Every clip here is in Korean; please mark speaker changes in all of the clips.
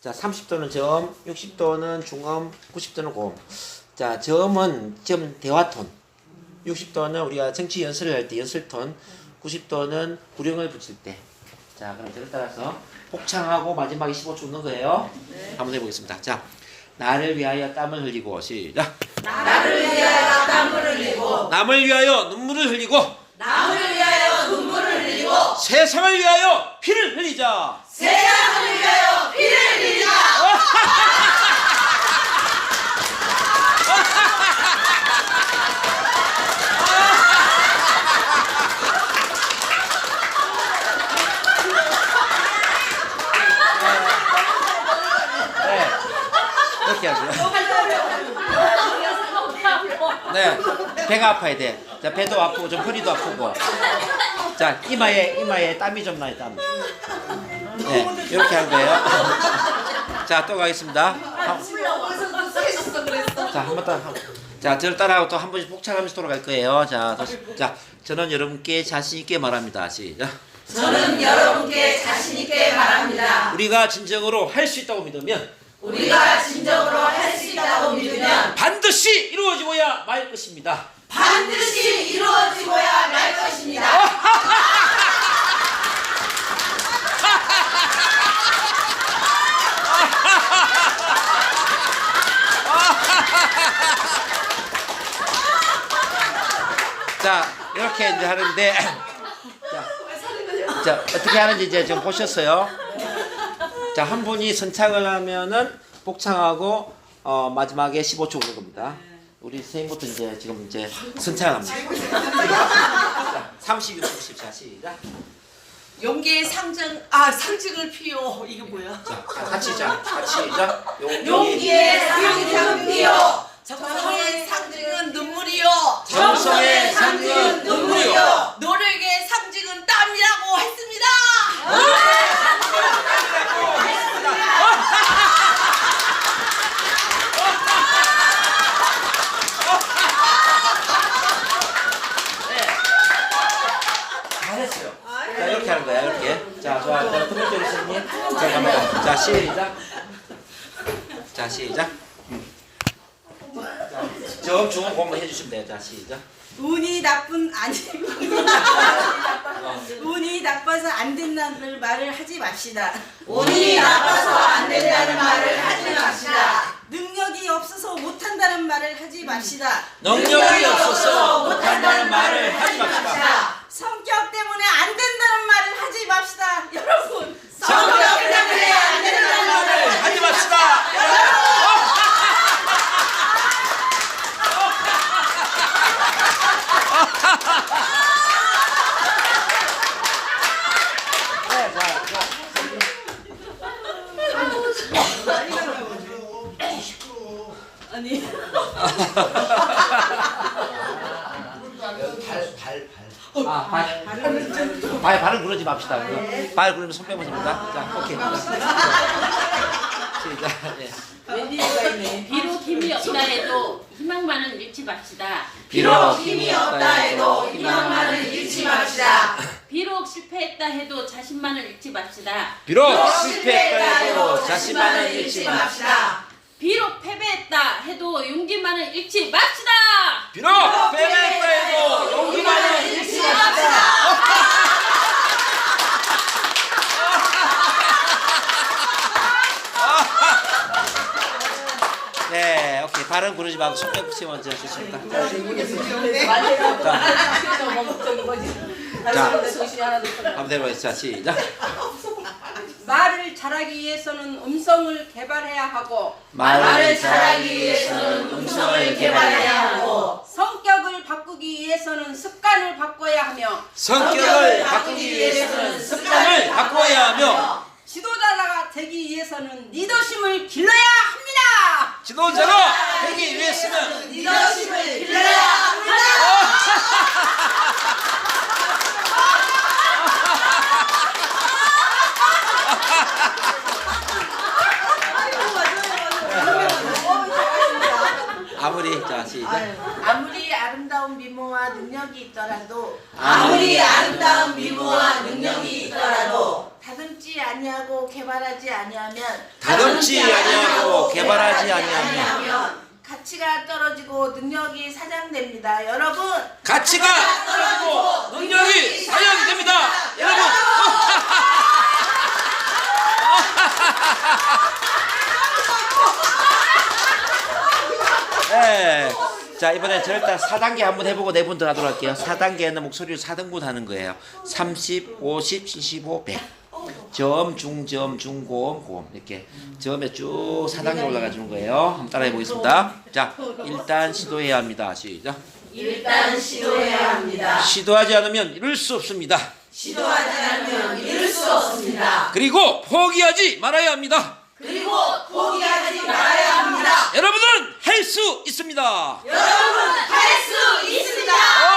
Speaker 1: 자, 30도는 저음, 60도는 중음, 90도는 고음. 자, 저음은 지금 대화톤. 60도는 우리가 정치 연설을 할 때 연설톤. 90도는 구령을 붙일 때. 자, 그럼 저를 따라서 복창하고 마지막에 15초 넣는 거예요. 네. 한번 해보겠습니다. 자, 나를 위하여 땀을 흘리고 시작.
Speaker 2: 나를 위하여 땀을 흘리고
Speaker 1: 남을 위하여 눈물을 흘리고
Speaker 2: 남을 위하여 눈물을 흘리고
Speaker 1: 세상을 위하여 피를 흘리자.
Speaker 2: 세상을 위하여 피를 흘리자.
Speaker 1: 네, 이렇게 하세요. 네, 배가 아파야 돼. 자, 배도 아프고 좀 허리도 아프고. 자, 이마에 땀이 좀 나요, 땀. 네, 이렇게 하는 거예요. 자, 또 가겠습니다. 자, 한 번 더. 자, 저를 따라하고 또 한 번씩 복창하면서 돌아갈 거예요. 자, 자, 저는 여러분께 자신 있게 말합니다. 시작.
Speaker 2: 저는 여러분께 자신 있게 말합니다.
Speaker 1: 우리가 진정으로 할 수 있다고 믿으면
Speaker 2: 우리가 진정으로 할 수 있다고 믿으면
Speaker 1: 반드시 이루어지고야 말 것입니다.
Speaker 2: 반드시 이루어지고야 말 것입니다.
Speaker 1: 자, 이렇게 이제 하는데 자, 어떻게 하는지 이제 좀 보셨어요. 자, 한 분이 선창을 하면은 복창하고 마지막에 15초 오는 겁니다. 우리 선생님부터 이제 지금 이제 선창을 합니다. 자, 30, 60, 자, 시작.
Speaker 3: 용기의 상징을 피요. 이게 뭐야?
Speaker 1: 자, 같이 시작.
Speaker 2: 용기의 상징은 피요.
Speaker 3: 정성의 상징은 눈물이요.
Speaker 1: 정성의 상징은 눈물이요.
Speaker 3: 노력의 상징은 땀이라고 했습니다.
Speaker 1: 잘했어요. 자, 이렇게 하는 거야, 이렇게. 자, 좋아. 자, 두 번째 선생님. 자, 갑니다. 자, 시작. 자, 시작. 자, 저음 중음 공부 해주시면 돼요. 자, 시작.
Speaker 4: 운이 나빠서 안 된다는 말을 하지 맙시다.
Speaker 2: 운이 나빠서 안 된다는 말을 하지 맙시다.
Speaker 4: 능력이 없어서 못한다는 말을 하지 맙시다.
Speaker 1: 능력이 없어서 못한다는 말을 하지 맙시다.
Speaker 4: 성격 때문에 안 된다는 말을 하지 맙시다. 여러분,
Speaker 2: 성격 때문에 안 된다는 말을
Speaker 1: 하지 맙시다. 네, 자, 자.
Speaker 4: 아니
Speaker 1: 발을 구르지 맙시다. 발 구르면 손 빼면 됩니다. 자, 오케이. 시작. 예.
Speaker 5: 비록 힘이 없다 해도 희망만은 잃지 맙시다.
Speaker 2: 비록 힘이 없다 해도 희망만을 잃지 맙시다.
Speaker 5: 비록 실패했다 해도 자신만을 잃지 맙시다.
Speaker 1: 비록 실패했다 해도 자신만을 잃지 맙시다.
Speaker 2: 맙시다.
Speaker 5: 비록 패배했다 해도 용기만을 잃지 맙시다.
Speaker 1: 비록 패배했다 해도 용기만을 잃지 맙시다. 네, 오케이. 발은 구르지 말고 손 빼고 먼저 좋습니다. 자, 한번 해보겠습니다. 자, 시작.
Speaker 6: 말을 잘하기 위해서는 음성을 개발해야 하고
Speaker 2: 말을 잘하기 위해서는 음성을 개발해야 하고
Speaker 6: 성격을 바꾸기 위해서는 습관을 바꿔야 하며
Speaker 1: 성격을 바꾸기 위해서는 습관을 바꿔야 하며
Speaker 6: 지도자가 되기 위해서는 리더십을 길러야 합니다.
Speaker 1: 지도자가 되기 위해서는
Speaker 2: 리더십을 길러야 합니다.
Speaker 1: 아무리 자 시작.
Speaker 7: 아무리 아름다운 미모와 능력이 있더라도
Speaker 2: 아무리 아름다운 미모와 능력이 있더라도
Speaker 7: 다듬지 아니하고 개발하지 아니하면
Speaker 1: 다듬지 아니하고 개발하지 아니하면
Speaker 7: 가치가 떨어지고 능력이 사장됩니다. 여러분
Speaker 1: 가치가 떨어지고 능력이 사양됩니다. 여러분. 네. 자, 이번에 절단 4단계 한번 해보고 4분 더 하도록 할게요. 4단계는 목소리를 4등분 하는 거예요. 30, 50, 75, 100. 점, 중점, 중고음, 고음 이렇게 점에 쭉 4단계 올라가 주는 거예요. 한번 따라해 보겠습니다. 자, 일단 시도해야 합니다. 시작.
Speaker 2: 일단 시도해야 합니다.
Speaker 1: 시도하지 않으면 이룰 수 없습니다.
Speaker 2: 시도하지 않으면 이룰 수 없습니다.
Speaker 1: 그리고 포기하지 말아야 합니다.
Speaker 2: 그리고 포기하지 말아야 합니다.
Speaker 1: 여러분은 할 수 있습니다.
Speaker 2: 여러분 할 수 있습니다.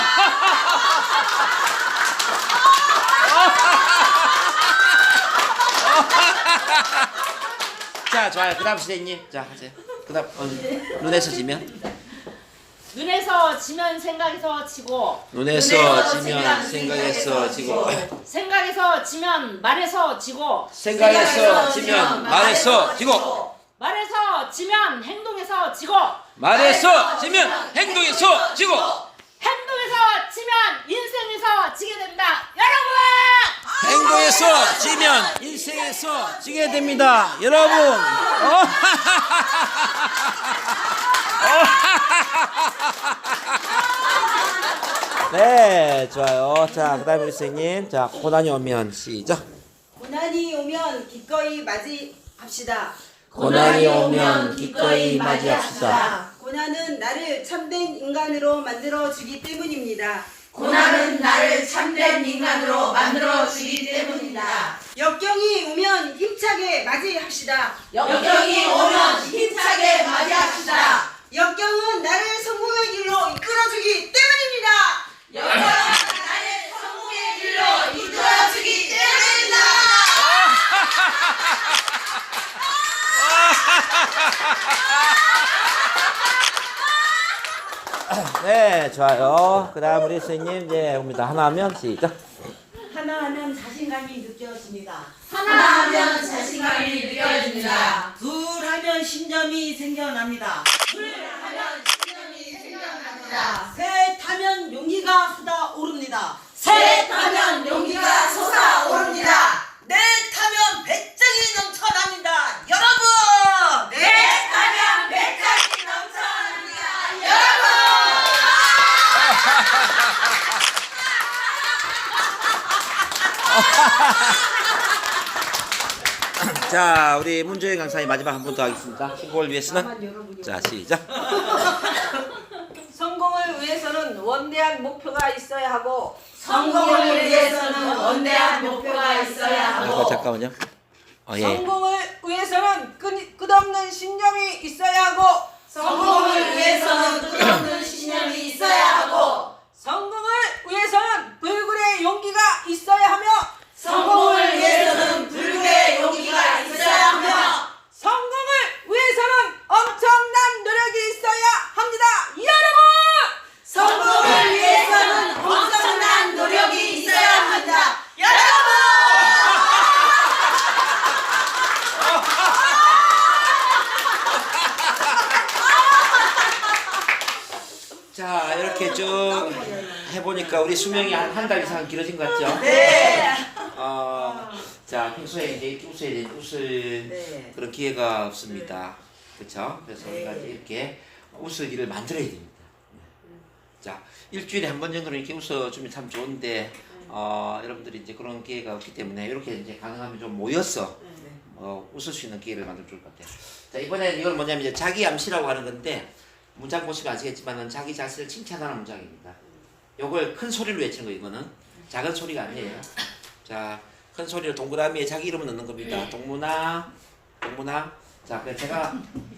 Speaker 1: 자, 좋아요. 그 다음 선생님. 자, 하세요. 그 다음 눈에서 지면
Speaker 5: 눈에서 지면 생각에서 지고,
Speaker 1: 눈에서 지면 생각에서 지고
Speaker 5: 생각에서 지면 말에서 지고,
Speaker 1: 생각에서 지면 말에서 지고
Speaker 5: 말에서 지면 행동에서 지고,
Speaker 1: 말에서 지면 행동에서 지고
Speaker 5: 행동에서 지면 인생에서 지게 된다. 여러분!
Speaker 1: 행동에서 지면 인생에서 지게 됩니다. 여러분. 네, 좋아요. 자, 그 다음에 우리 선생님. 자, 고난이 오면 시작.
Speaker 4: 고난이 오면 기꺼이 맞이합시다.
Speaker 1: 고난이 오면 기꺼이 맞이합시다.
Speaker 4: 고난은 나를 참된 인간으로 만들어 주기 때문입니다.
Speaker 2: 고난은 나를 참된 인간으로 만들어 주기 때문이다.
Speaker 4: 역경이 오면 힘차게 맞이합시다.
Speaker 2: 역경이 오면 힘차게 맞이합시다.
Speaker 4: 역경은 나를 성공의 길로 이끌어주기 때문입니다.
Speaker 2: 역경은 나를 성공의 길로 이끌어 주기 때문이다.
Speaker 1: 네, 좋아요. 그 다음 우리 선생님 이제 옵니다. 하나 하면 시작.
Speaker 6: 하나하면 자신감이 느껴집니다.
Speaker 2: 하나하면 자신감이 느껴집니다.
Speaker 6: 둘하면 신념이 생겨납니다.
Speaker 2: 하면 신념이 생겨납니다.
Speaker 6: 셋하면 용기가 쏟아오릅니다.
Speaker 2: 셋하면 용기가 솟아오릅니다.
Speaker 3: 넷하면 배짱이 넘쳐납니다. 여러분!
Speaker 2: 넷하면 배짱이 넘쳐납니다. 여러분!
Speaker 1: 자, 우리 문조영 강사님 마지막 한 번 더 하겠습니다. 신곡을 위해서는 자, 시작.
Speaker 6: 성공을 위해서는 원대한 목표가 있어야 하고,
Speaker 2: 성공을 위해서는 원대한 목표가 있어야 하고
Speaker 1: 잠깐만요. 예.
Speaker 6: 성공을 위해서는 끝없는 신념이 있어야 하고,
Speaker 2: 성공을 위해서는 끝없는 신념이 있어야 하고
Speaker 6: 성공을 위해서는 불굴의 용기가 있어야 하며,
Speaker 2: 성공을 위해서는 불굴의 용기가 있어야 하며
Speaker 6: 성공을 위해서는 엄청난 노력이 있어야 합니다. 여러분!
Speaker 2: 성공을 위해서는 엄청난 노력이 있어야 합니다. 여러분!
Speaker 1: 자, 이렇게 쭉 해보니까 우리 수명이 한 달 이상 길어진 것 같죠? 네. 자, 평소에 이제 이렇게 웃을 그런 기회가 없습니다. 그렇죠? 그래서 우리가 이제 이렇게 웃을 일을 만들어야 됩니다. 자, 일주일에 한 번 정도는 이렇게 웃어주면 참 좋은데 여러분들이 이제 그런 기회가 없기 때문에 이렇게 이제 가능하면 좀 모여서 웃을 수 있는 기회를 만들면 좋을 것 같아요. 자, 이번에는 이건 뭐냐면 이제 자기 암시라고 하는 건데 문장 보시면 아시겠지만은 자기 자신을 칭찬하는 문장입니다. 요걸 큰 소리로 외치는 거 이거는 작은 소리가 아니에요. 자, 큰 소리로 동그라미에 자기 이름을 넣는 겁니다. 동문아, 동문아. 자, 그래서 제가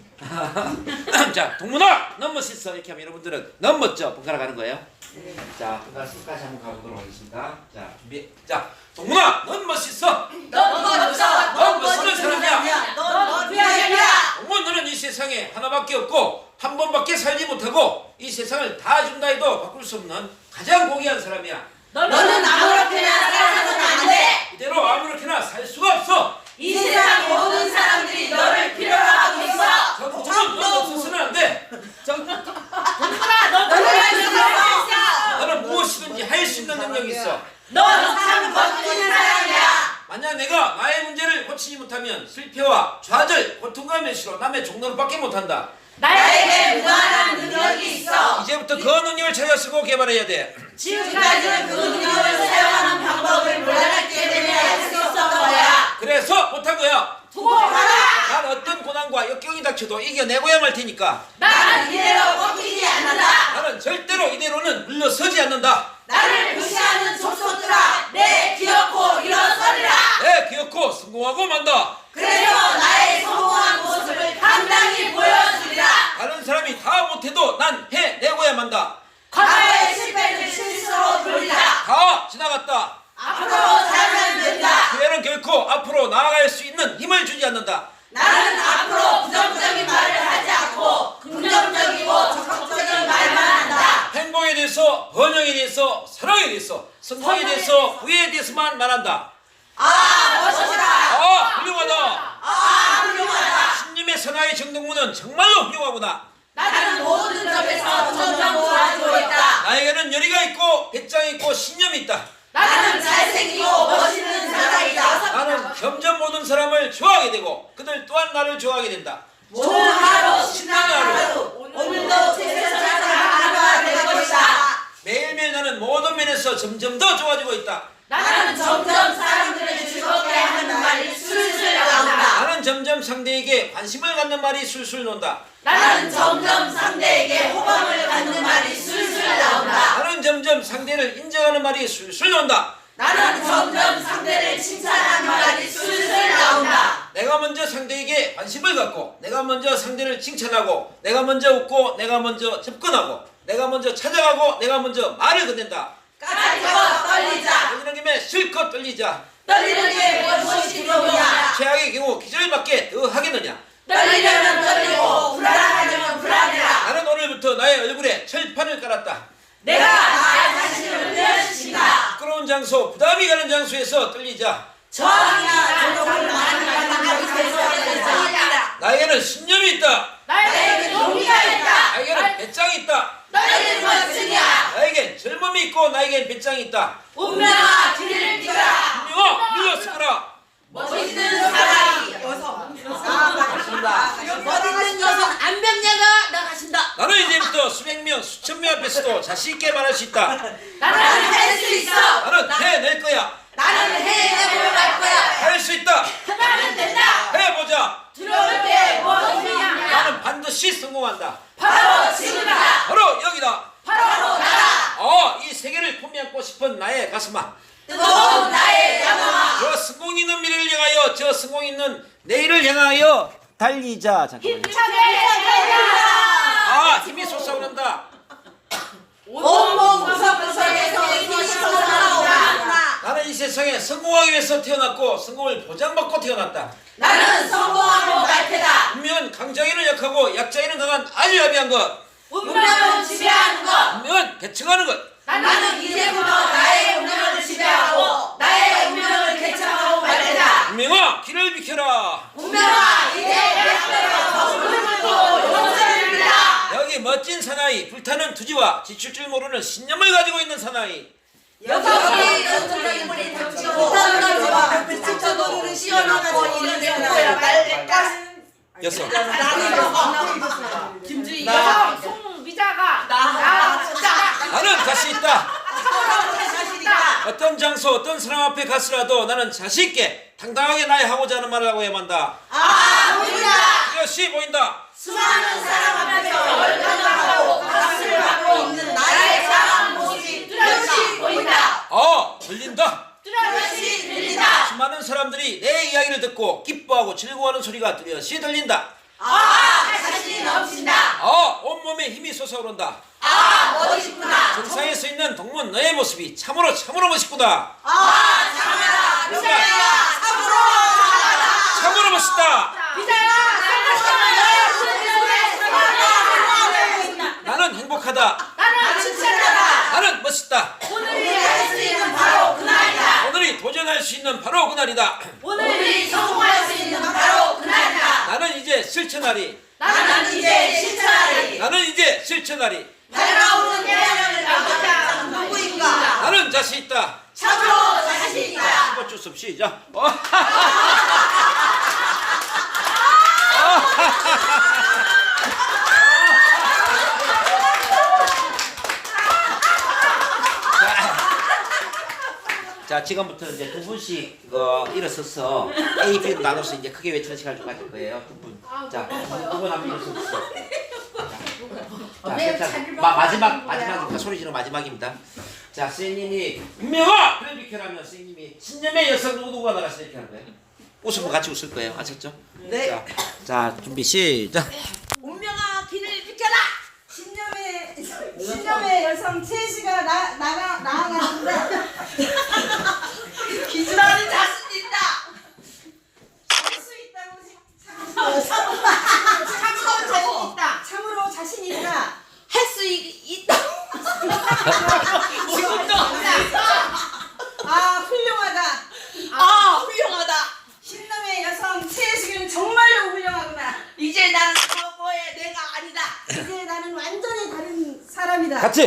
Speaker 1: 자, 동문아, 너무 멋있어 이렇게 하면 여러분들은 너무 멋져 번갈아 가는 거예요. 자, 번갈아 끝까지 한번 가보도록 하겠습니다. 자, 준비. 자, 동문아, 넌 멋있어.
Speaker 2: 넌 멋져.
Speaker 1: 넌 멋있는 사람이야.
Speaker 2: 넌 귀하야.
Speaker 1: 동문, 너는 이 세상에 하나밖에 없고 한 번밖에 살지 못하고 이 세상을 다 준다 해도 바꿀 수 없는 가장 고귀한 사람이야.
Speaker 7: 너는 아무렇게나 살아서는 안 돼.
Speaker 8: 이대로 아무렇게나 살 수가 없어.
Speaker 7: 이 세상 모든 사람들이 너를 필요로 하고 있어.
Speaker 8: 정부는 너 없어서는 안 돼. 너는 무엇이든지 할 수 있는 능력이 있어.
Speaker 7: 넌 참 멋진 사람이야.
Speaker 8: 만약 내가 나의 문제를 고치지 못하면 실패와 좌절, 고통과 멸시로 남의 종로를 받게 못한다.
Speaker 7: 나에게 무한한 능력이 있어.
Speaker 8: 이제부터 그 능력을 찾아 쓰고 개발해야 돼.
Speaker 7: 지금까지는 그 능력을 사용하는 방법을 몰랐기 때문에 할 수 없었던 거야.
Speaker 8: 그래서 못한 거야.
Speaker 7: 두고 봐라.
Speaker 8: 난 어떤 고난과 역경이 닥쳐도 이겨내고야 말 테니까.
Speaker 7: 나는 이대로 꺾이지 않는다.
Speaker 8: 나는 절대로 이대로는 물러서지 않는다.
Speaker 7: 나를 무시하는 족속들아, 내 기어코 일어서리라.
Speaker 8: 내 기어코 성공하고 만다.
Speaker 7: 그래서 나의 성공한 모습을 당당히 보여주리라.
Speaker 8: 다른 사람이 다 못해도 난 해내고야 만다.
Speaker 7: 과거의 실패를 실수로 돌리라.
Speaker 8: 다 지나갔다.
Speaker 7: 앞으로 잘하면 된다.
Speaker 8: 기회는 결코 앞으로 나아갈 수 있는 힘을 주지 않는다.
Speaker 7: 나는 앞으로 부정적인 말을 하지 않고 긍정적이고 적극적인 말만 한다.
Speaker 8: 행복에 대해서, 번영에 대해서, 사랑에 대해서, 성공에 대해서, 후회에 대해서만 말한다.
Speaker 7: 아, 멋지다.
Speaker 8: 훌륭하다.
Speaker 7: 훌륭하다.
Speaker 8: 신님의 선하의 정동무는 정말로 훌륭하구나.
Speaker 7: 나는 모든 점에서 점점 좋아지고 있다.
Speaker 8: 나에게는 열의가 있고 배짱이 있고 신념이 있다.
Speaker 7: 나는 잘생기고 멋있는 사람이다.
Speaker 8: 나는 점점 모든 사람을 좋아하게 되고 그들 또한 나를 좋아하게 된다.
Speaker 7: 좋은 하루, 신나는 하루. 오늘도 최선을 다하는 하루가 될 것이다.
Speaker 8: 매일매일 나는 모든 면에서 점점 더 좋아지고 있다.
Speaker 7: 나는 점점 사람들을 즐겁게 하는 말이 술술 나온다.
Speaker 8: 나는 점점 상대에게 관심을 갖는 말이 술술 논다.
Speaker 7: 나는 점점 상대에게 호감을 갖는 말이 술술 나온다.
Speaker 8: 나는 점점 상대를 인정하는 말이 술술 논다.
Speaker 7: 나는 점점 상대를 칭찬하는 말이 술술 나온다.
Speaker 8: 내가 먼저 상대에게 관심을 갖고 내가 먼저 상대를 칭찬하고 내가 먼저 웃고 내가 먼저 접근하고 내가 먼저 찾아가고 내가 먼저 말을 건넨다.
Speaker 7: 까짓거 떨리자.
Speaker 8: 떨리는 김에 실컷 떨리자.
Speaker 7: 떨리는 게 무엇이 두려우냐.
Speaker 8: 최악의 경우 기절밖에 더 하겠느냐.
Speaker 7: 떨리려면 떨리고 불안하려면 불안해라.
Speaker 8: 나는 오늘부터 나의 얼굴에 철판을 깔았다.
Speaker 7: 내가 나의 자신을 내어주신다.
Speaker 8: 부끄러운 장소, 부담이 가는 장소에서 떨리자.
Speaker 7: 저항이나 조롱을 많이 받는 곳에서 떨리자.
Speaker 8: 나에게는 신념이 있다.
Speaker 7: 나에게 용기가 있다.
Speaker 8: 나에게는 배짱이 있다.
Speaker 7: 너희는 멋지냐.
Speaker 8: 나에겐 젊음이 있고 나에겐 배짱이 있다.
Speaker 7: 운명아 길을 비켜라.
Speaker 8: 운명아 물러서거라.
Speaker 7: 멋있는 사람이
Speaker 3: 멋있는 여성 안병녀가 나가신다.
Speaker 8: 나는 이제부터 수백 명, 수천 명 앞에서도 자신 있게 말할 수 있다.
Speaker 7: 나는 할 수 있어.
Speaker 8: 나는 해낼 거야.
Speaker 7: 나는 해내보러 갈 거야.
Speaker 8: 할 수 있다.
Speaker 7: 나는 된다.
Speaker 8: 해보자.
Speaker 7: 두려울 게 무엇이냐.
Speaker 8: 나는 반드시 성공한다.
Speaker 7: 바로 지금이다.
Speaker 8: 바로 여기다.
Speaker 7: 바로 나다.
Speaker 8: 이 세계를 품안고 싶은 나의 가슴아.
Speaker 7: 뜨거운 나의 야망아.
Speaker 8: 저 성공 있는 미래를 향하여, 저 성공 있는 내일을 향하여 달리자. 잠깐만요. 힘이 솟아오른다.
Speaker 7: 온몸 구석구석에서 힘이 솟아오르나.
Speaker 8: 나는 이 세상에 성공하기 위해서 태어났고 성공을 보장받고 태어났다.
Speaker 7: 나는 성공하고 말 테다.
Speaker 8: 운명은 강자에는 약하고 약자에는 강한 아주 야비한 것.
Speaker 7: 운명을 지배하는 것.
Speaker 8: 운명은 개척하는 것.
Speaker 7: 나는 이제부터 나의 운명을 지배하고 나의 운명을 개척하고 말 테다.
Speaker 8: 운명아 길을 비켜라.
Speaker 7: 운명아 이제 내 앞에서 물들고 용서를 빌라.
Speaker 8: 여기 멋진 사나이, 불타는 투지와 지칠 줄 모르는 신념을 가지고 있는 사나이.
Speaker 7: 여기 전투적인 물이 닥치고 못하는 것과 불타쳐도 씌워놓고 이런 거야.
Speaker 8: 여섯.
Speaker 4: 김주희
Speaker 8: 나.
Speaker 4: 송미자가
Speaker 8: 나는 자신 있다.
Speaker 4: 자신 있다.
Speaker 8: 어떤 장소, 어떤 사람 앞에 갔으라도 나는 자신 있게 당당하게 나의 하고자 하는 말을 하고 해만다.
Speaker 7: 보인다.
Speaker 8: 이것이 보인다.
Speaker 7: 수많은 사람 앞에서 얼간하고 박수를 받고 있는 나의 자랑한 모습이 뚜렷이 보인다.
Speaker 8: 들린다.
Speaker 7: 뚜렷이 들린다.
Speaker 8: 수많은 사람들이 내 이야기를 듣고 기뻐하고 즐거워하는 소리가 뚜렷이 들린다.
Speaker 7: 자신이 넘친다.
Speaker 8: 온몸에 힘이 솟아오른다.
Speaker 7: 멋있구나.
Speaker 8: 정상에 서 있는 동문 너의 모습이 참으로 멋있구나.
Speaker 7: 장하다. 비자야. 참으로 장하다.
Speaker 8: 참으로 멋있다. 나는 행복하다.
Speaker 7: 나는 칭찬하다.
Speaker 8: 나는 멋있다.
Speaker 7: 오늘이 할 수
Speaker 8: 수 있는 바로 그날이다.
Speaker 2: 오늘이 성공할 수 있는 바로 그날이다.
Speaker 8: 나는 이제 실천하리.
Speaker 2: 나는 이제 실천하리.
Speaker 8: 나는 이제 실천하리.
Speaker 2: 날아오는 태양을 막아자 누구인가?
Speaker 8: 나는 자신 있다.
Speaker 2: 참으로 자신 있다.
Speaker 8: 어쩔 수 없이 시작.
Speaker 1: 자, 지금부터 이제 두 분씩 일어서서 A, B로 나눠서 이제 크게 외치는 시간을 좀 가질 거예요. 두 분. 자, 두 분 한번 일어서주세요. 자, 괜찮아. 마지막입니다. 소리 지르는 마지막입니다. 자, 선생님이 운명아! 그래 비켜라면 선생님이 신념의 여성 누구누구가 나가시다 이렇게 하는 거예요. 웃으면 같이 웃을 거예요. 아셨죠?
Speaker 4: 네.
Speaker 1: 자, 준비 시작.
Speaker 3: 운명아 길을 비켜라.
Speaker 4: 신념의 여성 채시가 나아가는데
Speaker 2: 나는 자신 있다.
Speaker 4: 할수 있다고 참으로 자신 있다. 참으로 자신 있다.
Speaker 3: 할 수 있다.
Speaker 2: 지금도
Speaker 4: 아 훌륭하다.
Speaker 3: 아 훌륭하다.
Speaker 4: 신념의 여성 채식은 정말로 훌륭하구나.
Speaker 3: 이제 나는 과거의 내가 아니다.
Speaker 4: 이제 나는 완전히 다른 사람이다.
Speaker 1: 같이.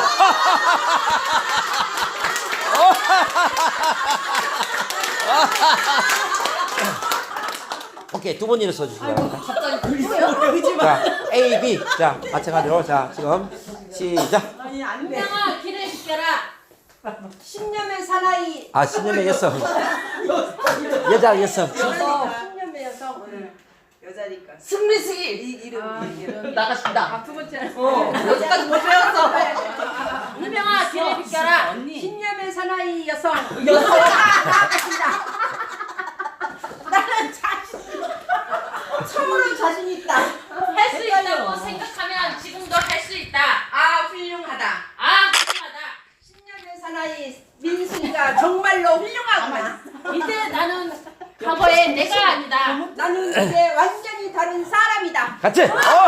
Speaker 1: 오케이, 두 분 일어서 주시기 바랍니다. 자, A, B. 자, 마찬가지로. 자, 지금 시작.
Speaker 4: 아니 안 돼.
Speaker 5: 운명아 길을 비켜라.
Speaker 4: 신념의 사나이.
Speaker 1: 아, 신념의 여성. 여자 여성.
Speaker 4: 신념의 여성 오늘 여자니까.
Speaker 3: 승리승이
Speaker 4: 이름
Speaker 3: 나가신다.
Speaker 4: 두 번째.
Speaker 3: 여기까지 못 배웠어.
Speaker 5: 운명아 길을 비켜라.
Speaker 4: 신념의 사나이 여성.
Speaker 3: 나가신다.
Speaker 4: 나는 참으로 자신 있다.
Speaker 5: 할 수 있다고 생각하면 지금도 할 수 있다.
Speaker 3: 아 훌륭하다.
Speaker 5: 아 훌륭하다.
Speaker 4: 신념의 사나이 민순이가 정말로 훌륭하구나.
Speaker 5: 이제 나는 과거의 내가 아니다.
Speaker 4: 나는 이제 완전히 다른 사람이다.
Speaker 1: 같이.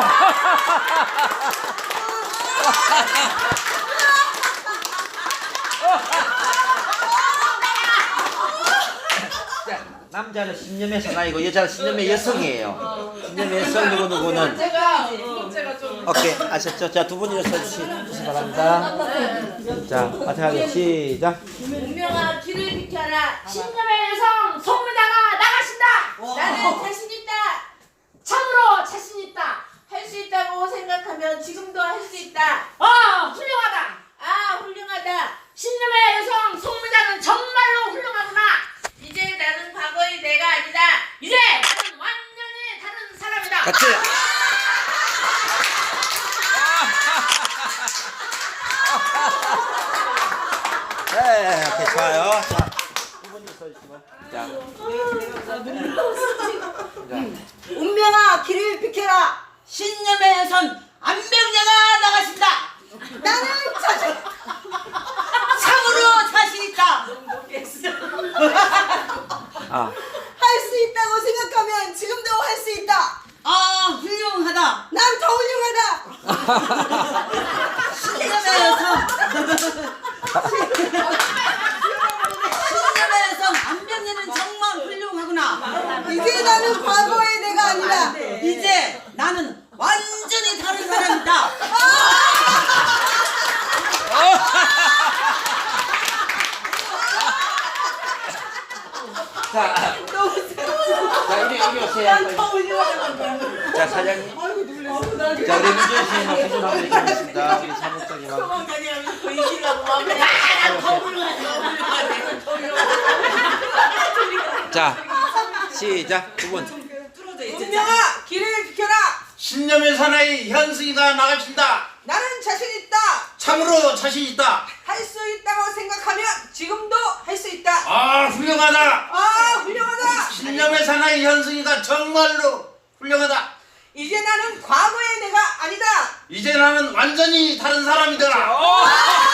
Speaker 1: 자, 남자는 신념의 사나이고 여자는 신념의 여성이에요. 신념의 여성 누구는
Speaker 6: 제가 좀
Speaker 1: 오케이, 아셨죠? 자, 두 분 일어서 주시기 바랍니다. 자, 마찬가지로 시작.
Speaker 3: 운명아 길을 비켜라.
Speaker 5: 신념의 여성 송무자가 나가신다.
Speaker 3: 나는 자신 있다.
Speaker 5: 참으로 자신 있다.
Speaker 3: 할 수 있다고 생각하면 지금도 할 수 있다.
Speaker 5: 훌륭하다.
Speaker 3: 아 훌륭하다.
Speaker 5: 신념의 여성 송무자는 정말로 훌륭하구나.
Speaker 3: 이제 나는 과거의 내가 아니다.
Speaker 5: 이제 나는 완전히 다른 사람이다.
Speaker 1: 같이. 네, 오케이, 좋아요. 자, 두 분 일어서 주시면. 자.
Speaker 4: 운명아 길을 비켜라.
Speaker 3: 신념의 여성 안병자가 나가신다.
Speaker 4: 나는 자신.
Speaker 3: 참으로 자신 있다.
Speaker 1: 아,
Speaker 4: 할 수 있다고 생각하면 지금도 할 수 있다.
Speaker 3: 아 훌륭하다.
Speaker 4: 난 더 훌륭하다.
Speaker 3: 신념의 여성. 신념의 여성 안병자는 정말 훌륭하구나.
Speaker 4: 이제 나는 과거의 내가 아니다.
Speaker 3: 이제 나는 완전히 다른 사람이다.
Speaker 1: 자, 이리 오세요. 자, 사장님. 자, 우리 민준 씨는 구분하고 있겠습니다. 우리 사무장님하고. 자, 시작. 두 분.
Speaker 6: 운명아 길을 비켜라.
Speaker 9: 신념의 사나이 현승이가 나가신다.
Speaker 6: 나는 자신 있다.
Speaker 9: 참으로 자신 있다.
Speaker 6: 할 수 있다고 생각하면 지금도 할 수 있다.
Speaker 9: 아 훌륭하다.
Speaker 6: 아 훌륭하다.
Speaker 9: 신념의 사나이 현승이가 정말로 훌륭하다.
Speaker 6: 이제 나는 과거의 내가 아니다.
Speaker 9: 이제 나는 완전히 다른 사람이다.